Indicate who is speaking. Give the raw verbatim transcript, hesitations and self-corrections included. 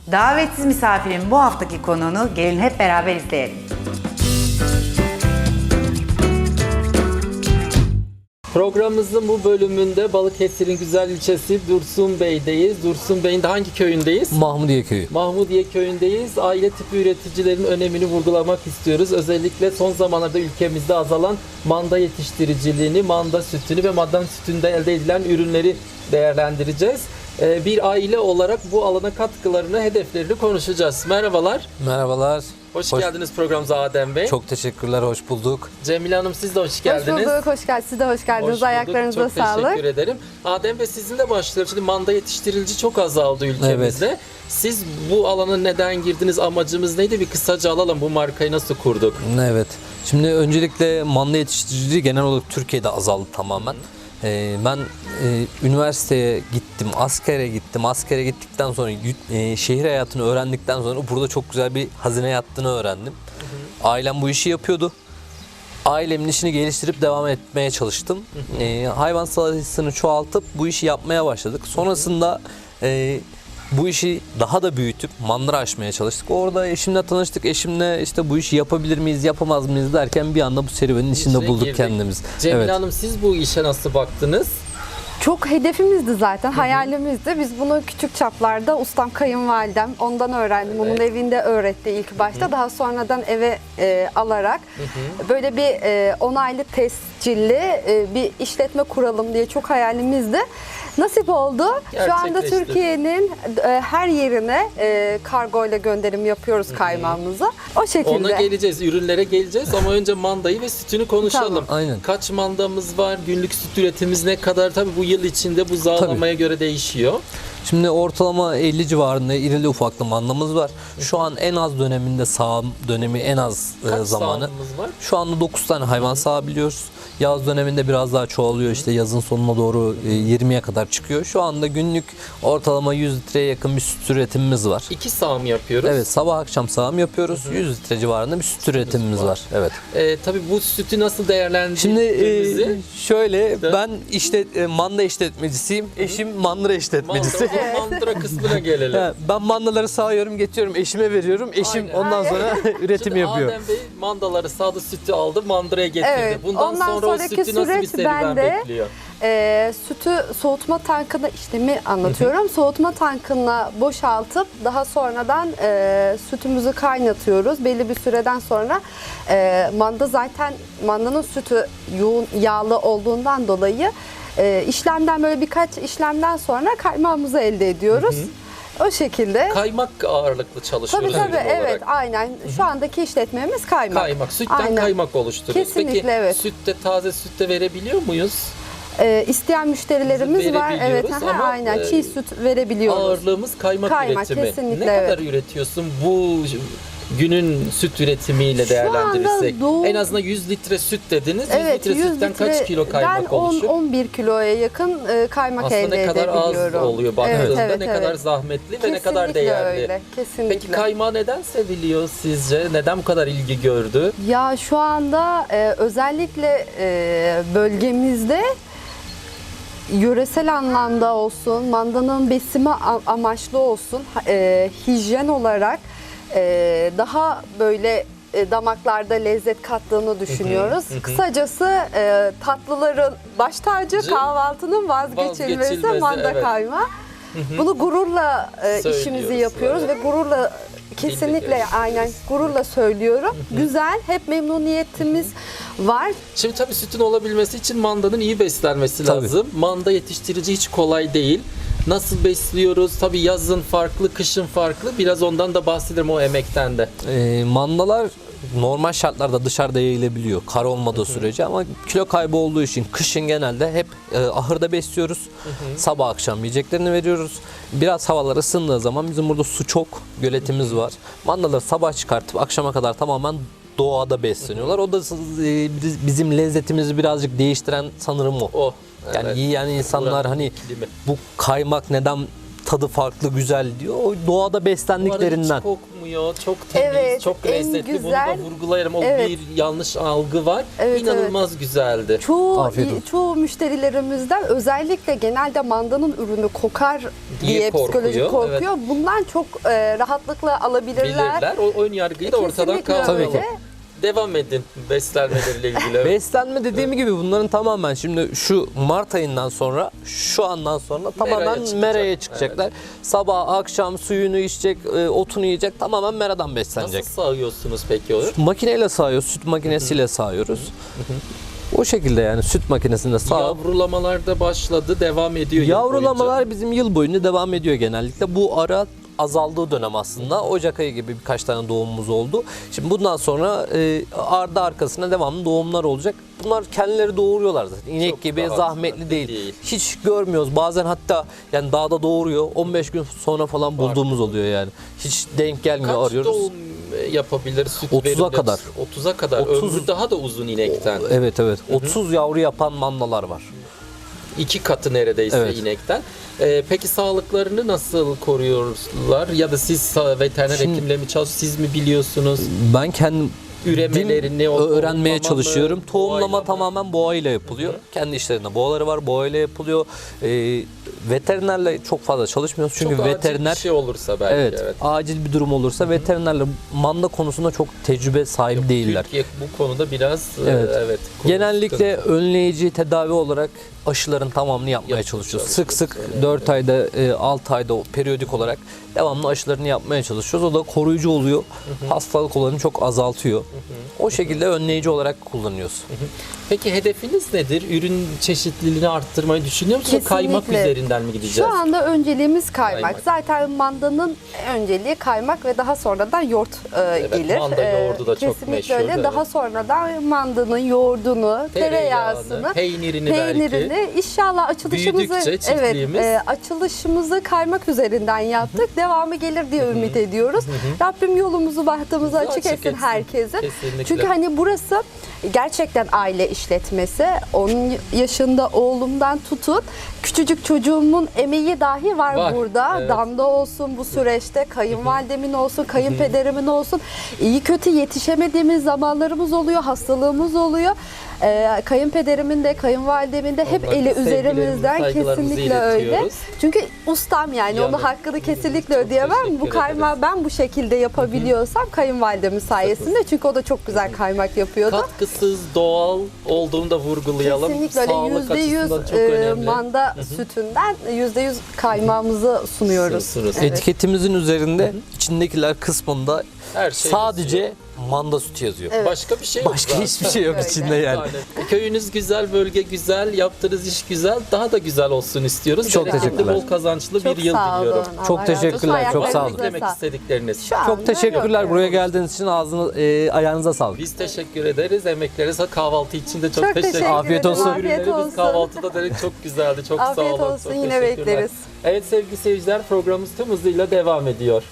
Speaker 1: Davetsiz misafirin bu haftaki konuğunu gelin hep beraber izleyelim.
Speaker 2: Programımızın bu bölümünde Balıkesir'in güzel ilçesi Dursunbey'deyiz. Dursunbey'in de hangi köyündeyiz?
Speaker 3: Mahmudiye Köyü.
Speaker 2: Mahmudiye köyündeyiz. Aile tipi üreticilerin önemini vurgulamak istiyoruz. Özellikle son zamanlarda ülkemizde azalan manda yetiştiriciliğini, manda sütünü ve manda sütünde elde edilen ürünleri değerlendireceğiz. Bir aile olarak bu alana katkılarını, hedeflerini konuşacağız. Merhabalar.
Speaker 3: Merhabalar.
Speaker 2: Hoş,
Speaker 3: Hoş
Speaker 2: geldiniz programımıza Adem Bey.
Speaker 3: Çok teşekkürler, hoş bulduk.
Speaker 2: Cemile Hanım siz de hoş geldiniz.
Speaker 4: Hoş bulduk, hoş geldiniz. Siz de hoş geldiniz.
Speaker 2: Hoş bulduk.
Speaker 4: Ayaklarınıza
Speaker 2: çok
Speaker 4: sağlık.
Speaker 2: Teşekkür ederim. Adem Bey sizinle başlayalım. Şimdi manda yetiştirilici çok azaldı ülkemizde.
Speaker 3: Evet.
Speaker 2: Siz bu alana neden girdiniz? Amacımız neydi? Bir kısaca alalım. Bu markayı nasıl kurduk?
Speaker 3: Evet. Şimdi öncelikle manda yetiştiriciliği genel olarak Türkiye'de azaldı tamamen. Ee, ben e, üniversiteye gittim, askere gittim. Askere gittikten sonra e, şehir hayatını öğrendikten sonra burada çok güzel bir hazine yattığını öğrendim. Hı hı. Ailem bu işi yapıyordu. Ailemin işini geliştirip devam etmeye çalıştım. Hı hı. E, hayvan sayısını çoğaltıp bu işi yapmaya başladık. Sonrasında e, bu işi daha da büyütüp mandıra açmaya çalıştık. Orada eşimle tanıştık. Eşimle işte bu işi yapabilir miyiz, yapamaz mıyız derken bir anda bu serüvenin içinde
Speaker 2: İçine
Speaker 3: bulduk
Speaker 2: girdik.
Speaker 3: kendimizi.
Speaker 2: Cemile
Speaker 3: Evet.
Speaker 2: Hanım siz bu işe nasıl baktınız?
Speaker 4: Çok hedefimizdi zaten, hayalimizdi. Biz bunu küçük çaplarda ustam kayınvalidem, ondan öğrendim.
Speaker 2: Evet.
Speaker 4: Onun evinde öğretti ilk başta. Daha sonradan eve e, alarak böyle bir e, onaylı tescilli e, bir işletme kuralım diye çok hayalimizdi. Nasip oldu. Şu anda
Speaker 2: Gerçekleşti.
Speaker 4: Türkiye'nin e, her yerine e, kargo ile gönderim yapıyoruz kaymağımızı. O şekilde.
Speaker 2: Ona geleceğiz, ürünlere geleceğiz ama önce mandayı ve sütünü konuşalım.
Speaker 4: Tamam.
Speaker 3: Aynen.
Speaker 2: Kaç mandamız var, günlük süt üretimimiz ne kadar? Tabii bu yıl içinde bu zağlamaya göre değişiyor.
Speaker 3: Şimdi ortalama elli civarında irili ufaklı mandamız var. Şu an en az döneminde sağım dönemi en az e,
Speaker 2: Kaç
Speaker 3: zamanı.
Speaker 2: sağımımız var?
Speaker 3: Şu anda dokuz tane hayvan sağabiliyoruz. Yaz döneminde biraz daha çoğalıyor. İşte yazın sonuna doğru e, yirmiye kadar çıkıyor. Şu anda günlük ortalama yüz litreye yakın bir süt üretimimiz var.
Speaker 2: İki sağım yapıyoruz.
Speaker 3: Evet, sabah akşam sağım yapıyoruz. yüz litre civarında bir süt üretimimiz
Speaker 2: var.
Speaker 3: var. Evet.
Speaker 2: Ee, tabii bu sütü nasıl
Speaker 3: Şimdi
Speaker 2: değerlendirdiğimizi...
Speaker 3: e, şöyle
Speaker 2: De-
Speaker 3: ben işte e, manda işletmecisiyim. Eşim mandıra işletmecisi.
Speaker 2: Mandıra, mandıra kısmına gelelim.
Speaker 3: Ha, ben mandaları sağıyorum, getiriyorum, eşime veriyorum. Eşim
Speaker 2: Aynen.
Speaker 3: ondan sonra üretim
Speaker 2: Şimdi
Speaker 3: yapıyor.
Speaker 2: Adem Bey mandaları sağdı, sütü aldı, mandıraya getirdi.
Speaker 4: Evet,
Speaker 2: Bundan
Speaker 4: ondan
Speaker 2: sonra o
Speaker 4: sonraki
Speaker 2: sütü nasıl bir
Speaker 4: süreç
Speaker 2: serüven
Speaker 4: bende.
Speaker 2: bekliyor?
Speaker 4: E, sütü soğutma tankına işlemi anlatıyorum. Soğutma tankına boşaltıp daha sonradan e, sütümüzü kaynatıyoruz. Belli bir süreden sonra e, manda zaten mandanın sütü yoğun yağlı olduğundan dolayı e, işlemden böyle birkaç işlemden sonra kaymağımızı elde ediyoruz. O şekilde.
Speaker 2: Kaymak ağırlıklı çalışıyoruz.
Speaker 4: Tabii tabii
Speaker 2: ürün olarak.
Speaker 4: evet aynen. Şu andaki işletmemiz kaymak.
Speaker 2: Kaymak, sütten
Speaker 4: Aynen.
Speaker 2: kaymak oluşturuyoruz.
Speaker 4: Kesinlikle,
Speaker 2: Peki
Speaker 4: evet.
Speaker 2: sütte, taze sütte verebiliyor muyuz?
Speaker 4: Ee, isteyen müşterilerimiz var. Evet,
Speaker 2: Verebiliyoruz
Speaker 4: aha,
Speaker 2: ama,
Speaker 4: aynen.
Speaker 2: e,
Speaker 4: Çiğ süt verebiliyoruz.
Speaker 2: Ağırlığımız kaymak,
Speaker 4: Kaymak,
Speaker 2: üretimi.
Speaker 4: kesinlikle,
Speaker 2: Ne
Speaker 4: evet.
Speaker 2: kadar üretiyorsun bu günün süt üretimiyle
Speaker 4: Şu anda
Speaker 2: değerlendirirsek?
Speaker 4: doğu-
Speaker 2: En azından yüz litre süt dediniz.
Speaker 4: Evet,
Speaker 2: yüz litre
Speaker 4: yüz
Speaker 2: sütten kaç kilo kaymak
Speaker 4: ben
Speaker 2: oluşur?
Speaker 4: on on bir kiloya yakın e, kaymak
Speaker 2: Aslında
Speaker 4: elde
Speaker 2: ne kadar az
Speaker 4: edebiliyorum.
Speaker 2: oluyor baktığında,
Speaker 4: Evet, evet,
Speaker 2: ne
Speaker 4: evet.
Speaker 2: kadar zahmetli ve ne kadar
Speaker 4: Kesinlikle
Speaker 2: değerli.
Speaker 4: öyle, kesinlikle.
Speaker 2: Peki kaymağı neden seviliyor sizce? Neden bu kadar ilgi gördü?
Speaker 4: Ya şu anda e, özellikle e, bölgemizde yöresel anlamda olsun, mandanın besimi a- amaçlı olsun, e, hijyen olarak e, daha böyle e, damaklarda lezzet kattığını düşünüyoruz. Kısacası e, tatlıların baş tacı,
Speaker 2: Cı-
Speaker 4: kahvaltının vazgeçilmezi
Speaker 2: Vazgeçilmezi,
Speaker 4: manda
Speaker 2: evet.
Speaker 4: kaymağı. Bunu gururla e, işimizi
Speaker 2: Söylüyoruz,
Speaker 4: yapıyoruz
Speaker 2: evet.
Speaker 4: ve gururla kesinlikle
Speaker 2: Birlikte
Speaker 4: aynen gururla söylüyorum. Güzel, hep memnuniyetimiz var.
Speaker 2: Şimdi tabii sütün olabilmesi için mandanın iyi beslenmesi
Speaker 3: Tabii.
Speaker 2: lazım. Manda yetiştirici hiç kolay değil. Nasıl besliyoruz? Tabii yazın farklı, kışın farklı. Biraz ondan da bahsedelim, o emekten de.
Speaker 3: E, mandalar normal şartlarda dışarıda yayılabiliyor. Kar olmadığı sürece ama kilo kaybı olduğu için kışın genelde hep e, ahırda besliyoruz. Sabah akşam yiyeceklerini veriyoruz. Biraz havalar ısındığı zaman bizim burada su çok, göletimiz var. Mandaları sabah çıkartıp akşama kadar tamamen doğada besleniyorlar. O da e, bizim lezzetimizi birazcık değiştiren sanırım o.
Speaker 2: O.
Speaker 3: Yani
Speaker 2: evet.
Speaker 3: yiyen insanlar
Speaker 2: Buranın
Speaker 3: hani
Speaker 2: iklimi.
Speaker 3: bu kaymak neden tadı farklı, güzel diyor. O doğada
Speaker 2: Bu arada
Speaker 3: beslendiklerinden.
Speaker 2: hiç kokmuyor, çok temiz,
Speaker 4: Evet,
Speaker 2: çok
Speaker 4: en
Speaker 2: lezzetli.
Speaker 4: güzel-
Speaker 2: Bunu da vurgulayarım. O
Speaker 4: Evet.
Speaker 2: bir yanlış algı var.
Speaker 4: Evet,
Speaker 2: İnanılmaz güzeldi.
Speaker 4: Çoğu
Speaker 3: Afiyet olsun.
Speaker 4: çoğu müşterilerimizden özellikle genelde mandanın ürünü kokar
Speaker 2: Diye
Speaker 4: diye, psikolojik
Speaker 2: korkuyor,
Speaker 4: korkuyor. Bundan çok e, rahatlıkla alabilirler.
Speaker 2: Bilirler. O ön yargıyı da ortadan
Speaker 4: Kesinlikle
Speaker 2: kaldıralım.
Speaker 4: öyle.
Speaker 2: Devam edin beslenmeleriyle ilgili. Evet.
Speaker 3: Beslenme dediğim gibi bunların tamamen şimdi şu Mart ayından sonra şu andan sonra tamamen
Speaker 2: çıkacak.
Speaker 3: meraya çıkacaklar. Sabah akşam suyunu içecek, e, otunu yiyecek, tamamen meradan beslenecek.
Speaker 2: Nasıl sağıyorsunuz peki onu?
Speaker 3: Makineyle sağıyoruz, süt makinesiyle sağıyoruz. O şekilde yani süt makinesinde sağ.
Speaker 2: Yavrulamalar da başladı, devam ediyor. yıl
Speaker 3: Yavrulamalar
Speaker 2: boyunca.
Speaker 3: bizim yıl boyunca devam ediyor genellikle. Bu ara azaldığı dönem aslında. Ocak ayı gibi birkaç tane doğumumuz oldu. Şimdi bundan sonra e, ardı arkasına devamlı doğumlar olacak. Bunlar kendileri doğuruyorlar zaten. İnek
Speaker 2: Çok
Speaker 3: gibi
Speaker 2: rahat,
Speaker 3: zahmetli değil.
Speaker 2: değil.
Speaker 3: Hiç görmüyoruz. Bazen hatta yani dağda doğuruyor. on beş gün sonra falan bulduğumuz oluyor yani. Hiç denk gelmiyor,
Speaker 2: Kaç
Speaker 3: arıyoruz.
Speaker 2: doğum yapabilir süt
Speaker 3: otuza
Speaker 2: verimli?
Speaker 3: kadar.
Speaker 2: otuza kadar.
Speaker 3: otuz
Speaker 2: Ömrü daha da uzun inekten.
Speaker 3: Evet evet. otuz yavru yapan mandalar var.
Speaker 2: İki katı neredeyse
Speaker 3: Evet.
Speaker 2: inekten. Ee, peki sağlıklarını nasıl koruyorlar? Ya da siz sa- veteriner
Speaker 3: Şimdi-
Speaker 2: hekimle mi çalışıyorsunuz? Siz mi biliyorsunuz?
Speaker 3: Ben kendim
Speaker 2: Üremelerini o-
Speaker 3: öğrenmeye
Speaker 2: tohumlama mı,
Speaker 3: çalışıyorum. Tohumlama
Speaker 2: boğayla mı?
Speaker 3: tamamen boğayla yapılıyor. Kendi işlerinde boğaları var, boğayla yapılıyor. Ee, veterinerle çok fazla çalışmıyoruz çünkü
Speaker 2: Çok acil
Speaker 3: veteriner
Speaker 2: bir şey olursa belki.
Speaker 3: evet,
Speaker 2: Evet.
Speaker 3: acil bir durum olursa veterinerle manda konusunda çok tecrübe sahibi değiller.
Speaker 2: Türkiye bu konuda biraz
Speaker 3: Evet.
Speaker 2: evet. evet konu
Speaker 3: Genellikle
Speaker 2: sıkıntı.
Speaker 3: önleyici tedavi olarak aşıların tamamını yapmaya
Speaker 2: Yapmaya
Speaker 3: çalışıyoruz. Sık
Speaker 2: çalışıyoruz.
Speaker 3: sık dört ayda, altı ayda periyodik olarak devamlı aşılarını yapmaya çalışıyoruz. O da koruyucu oluyor. Hastalık olanı çok azaltıyor. O şekilde önleyici olarak kullanıyoruz.
Speaker 2: Peki hedefiniz nedir? Ürün çeşitliliğini arttırmayı düşünüyor musunuz?
Speaker 4: Kesinlikle.
Speaker 2: Kaymak üzerinden mi gideceğiz?
Speaker 4: Şu anda önceliğimiz kaymak.
Speaker 2: Kaymak.
Speaker 4: Zaten mandanın önceliği kaymak ve daha sonradan yoğurt e,
Speaker 2: Evet,
Speaker 4: gelir.
Speaker 2: manda
Speaker 4: E,
Speaker 2: yoğurdu da çok
Speaker 4: kesinlikle
Speaker 2: meşhur,
Speaker 4: öyle.
Speaker 2: evet.
Speaker 4: Daha sonradan mandanın yoğurdunu, tereyağısını,
Speaker 2: peynirini, belki.
Speaker 4: peynirini inşallah açılışımızı
Speaker 2: Büyüdükçe çiftliğimiz.
Speaker 4: evet e, açılışımızı kaymak üzerinden yaptık. Devamı gelir diye ümit ediyoruz. Rabbim yolumuzu bahtımızı
Speaker 2: Bizi
Speaker 4: açık,
Speaker 2: açık
Speaker 4: etsin
Speaker 2: etsin.
Speaker 4: herkesin.
Speaker 2: Kesinlikle.
Speaker 4: Çünkü hani burası gerçekten aile işletmesi. on yaşında oğlumdan tutun küçücük çocuğumun emeği dahi var,
Speaker 2: Var,
Speaker 4: burada.
Speaker 2: evet.
Speaker 4: Damda olsun bu süreçte, kayınvalidemin olsun, kayınpederimin olsun. İyi kötü yetişemediğimiz zamanlarımız oluyor, hastalığımız oluyor. Ee, kayınpederimin de kayınvalidemin de hep
Speaker 2: Onlara
Speaker 4: eli
Speaker 2: sevgilerimizi,
Speaker 4: üzerimizden,
Speaker 2: saygılarımızı
Speaker 4: kesinlikle öyle.
Speaker 2: iletiyoruz.
Speaker 4: Çünkü ustam yani
Speaker 2: Yanı.
Speaker 4: onun hakkını kesinlikle
Speaker 2: Çok
Speaker 4: ödeyemem.
Speaker 2: teşekkür
Speaker 4: Bu kaymağı ben bu şekilde yapabiliyorsam kayınvalidemin sayesinde, çünkü o da çok güzel kaymak yapıyordu.
Speaker 2: Katkısız, doğal olduğunu da vurgulayalım.
Speaker 4: Kesinlikle öyle.
Speaker 2: Sağlık
Speaker 4: Yüzde yüz
Speaker 2: açısından çok
Speaker 4: e,
Speaker 2: önemli.
Speaker 4: manda sütünden yüzde yüz kaymağımızı sunuyoruz.
Speaker 2: Sunuyorsunuz.
Speaker 4: Evet.
Speaker 3: Etiketimizin üzerinde içindekiler kısmında
Speaker 2: Her şey
Speaker 3: sadece
Speaker 2: yazıyor.
Speaker 3: manda sütü yazıyor.
Speaker 4: Evet.
Speaker 2: Başka bir şey yok.
Speaker 3: Başka
Speaker 2: zaten.
Speaker 3: hiçbir şey yok
Speaker 4: Öyle.
Speaker 3: içinde yani.
Speaker 2: Yani köyünüz güzel, bölge güzel, yaptığınız iş güzel. Daha da güzel olsun istiyoruz.
Speaker 3: Çok
Speaker 2: Bereketli,
Speaker 3: teşekkürler.
Speaker 2: bol kazançlı
Speaker 4: Çok
Speaker 2: bir yıl
Speaker 4: sağ olun.
Speaker 2: diliyorum.
Speaker 4: Allah
Speaker 3: Çok
Speaker 4: razı olsun.
Speaker 3: teşekkürler, çok sağ olun.
Speaker 4: Ayaklarınıza
Speaker 2: Demek
Speaker 4: sağlık.
Speaker 2: istedikleriniz.
Speaker 4: Şu anda
Speaker 3: Çok teşekkürler
Speaker 4: yok.
Speaker 3: buraya geldiğiniz için, ağzına, e, ayağınıza sağlık.
Speaker 2: Biz teşekkür ederiz. Emeklerinize kahvaltı için de çok,
Speaker 4: Çok
Speaker 2: teşekkür
Speaker 4: teşekkür
Speaker 2: ederiz.
Speaker 3: Afiyet
Speaker 4: ederim.
Speaker 3: olsun.
Speaker 4: Afiyet
Speaker 2: Ürünlerimiz
Speaker 4: olsun.
Speaker 2: kahvaltıda dedik çok güzeldi. Çok
Speaker 4: Afiyet
Speaker 2: sağ olun.
Speaker 4: olsun.
Speaker 2: Çok
Speaker 4: Yine
Speaker 2: teşekkürler.
Speaker 4: bekleriz.
Speaker 2: Evet sevgili seyirciler, programımız tüm hızıyla devam ediyor.